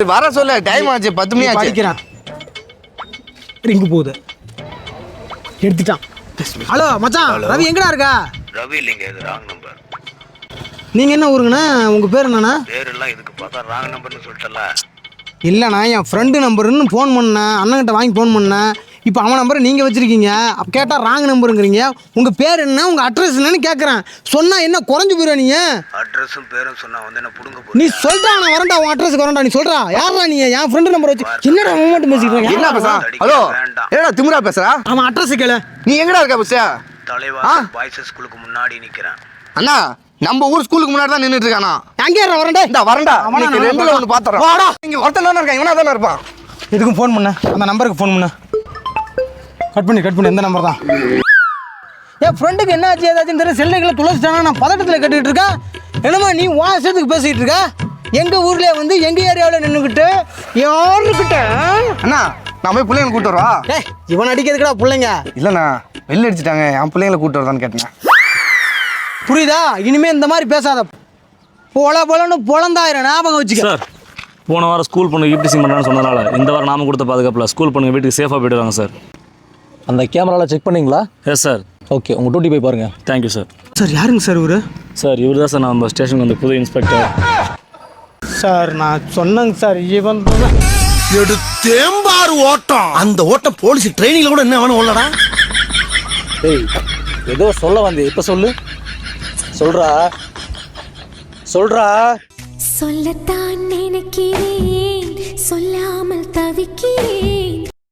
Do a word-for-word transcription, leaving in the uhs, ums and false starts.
வர சொல்ல டைம் ஆச்சு பத்து மணி ஆச்சு படிக்கிறான் ரிங்கு போகுது எடுத்துட்டான் ஹலோ மச்சான் ரவி எங்கடா இருக்கா ரவி இல்லைங்க இது ராங் நம்பர் நீங்கள் என்ன ஊருங்கண்ணா உங்கள் பேர் என்னண்ணா பேரெல்லாம் இதுக்கு பார்த்தா ராங் நம்பர்னு சொல்லிட்டல இல்லைண்ணா என் ஃப்ரெண்டு நம்பருன்னு ஃபோன் பண்ணேன் அண்ணன்கிட்ட வாங்கி ஃபோன் பண்ணேன் இப்போ அவன் நம்பரை நீங்கள் வச்சுருக்கீங்க அப்போ கேட்டால் ராங் நம்பருங்கிறீங்க உங்கள் பேர் என்ன உங்கள் அட்ரஸ் என்னன்னு கேட்குறேன் சொன்னால் என்ன குறைஞ்சி போயிடுவா நீங்கள் அட்ரஸும் பேரும் சொன்னா வந்து என்ன புடுங்க நீ சொல்கிறா நான் வரேன்டா உன் அட்ரஸ்க்கு வரேன்டா நீ சொல்கிறா யாரா நீ என் ஃப்ரெண்டு நம்பர் வச்சு என்னடா அவன் மட்டும் பேசிக்கிறேன் என்ன பேசா ஹலோ என்னடா திமிரா பேசுறா அவன் அட்ரஸ் கேளு நீ எங்கடா இருக்க பஸ்ஸா தலைவா பாய்ஸ் ஸ்கூலுக்கு முன்னாடி நிக்கிறேன் அண்ணா நம்ம ஊர் ஸ்கூலுக்கு முன்னாடி தான் நின்றுட்டு இருக்கானா அங்கே வரண்டா இந்த வரண்டா அவனுக்கு ரெண்டுல ஒன்று பார்த்துறோம் வாடா இங்கே ஒருத்தன் தானே இருக்கான் இவனா தானே இருப்பான் எதுக்கும் ஃபோன் பண்ண அந்த நம்பருக்கு ஃபோன் பண்ண கட் பண்ணி கட் பண்ணி எந்த நம்பர் தான் என் ஃப்ரெண்டுக்கு என்ன ஆச்சு ஏதாச்சும் தெரியல செல்லைகளை துளசிட்டானா நான் பதட்டத்தில் கட்டிக்கிட்டு இருக்கேன் என்னம்மா நீ வாசத்துக்கு பேசிக்கிட்டு இருக்க எங்கள் ஊர்லேயே வந்து எங்கள் ஏரியாவில் நின்றுக்கிட்டு யாருக்கிட்ட அண்ணா நான் போய் பிள்ளைங்களை கூப்பிட்டு வரவா ஏய் இவன் அடிக்கிறதுக்கடா பிள்ளைங்க இல்லைண்ணா வெளில அடிச்சிட்டாங்க என் பிள்ளைங்களை கூப்பிட்டு வரதான்னு கேட்டேன் புரியுதா இனிமே இந்த மாதிரி பேசாத பொல பொலன்னு பொழந்தாயிரம் ஞாபகம் வச்சுக்க சார் போன வாரம் ஸ்கூல் பொண்ணு ஈப்டிசிங் பண்ணுறான்னு சொன்னதுனால இந்த வாரம் நாம கொடுத்த பாதுகாப்பில் ஸ்கூல் பொண்ணுங்க வீட்டுக்கு சேஃபாக போயிடுவாங்க சார். அந்த கேமராவில் செக் பண்ணிங்களா? Yes sir. ஓகே உங்கள் டூட்டி போய் பாருங்கள். Thank you sir. சார் யாருங்க சார் இவரு? சார் இவர் தான் சார் நம்ம ஸ்டேஷனுக்கு வந்து புது இன்ஸ்பெக்டர். சார் நான் சொன்னேங்க சார் இவன் எடுத்தேம்பாரு ஓட்டம். அந்த ஓட்டம் போலீஸ் ட்ரைனிங்ல கூட என்ன வேணும் உள்ளடா. டேய் ஏதோ சொல்ல வந்தே இப்போ சொல்லு. சொல்றா சொல்றா. சொல்லத்தான் நினைக்கிறேன் சொல்லாமல் தவிக்கிறேன்.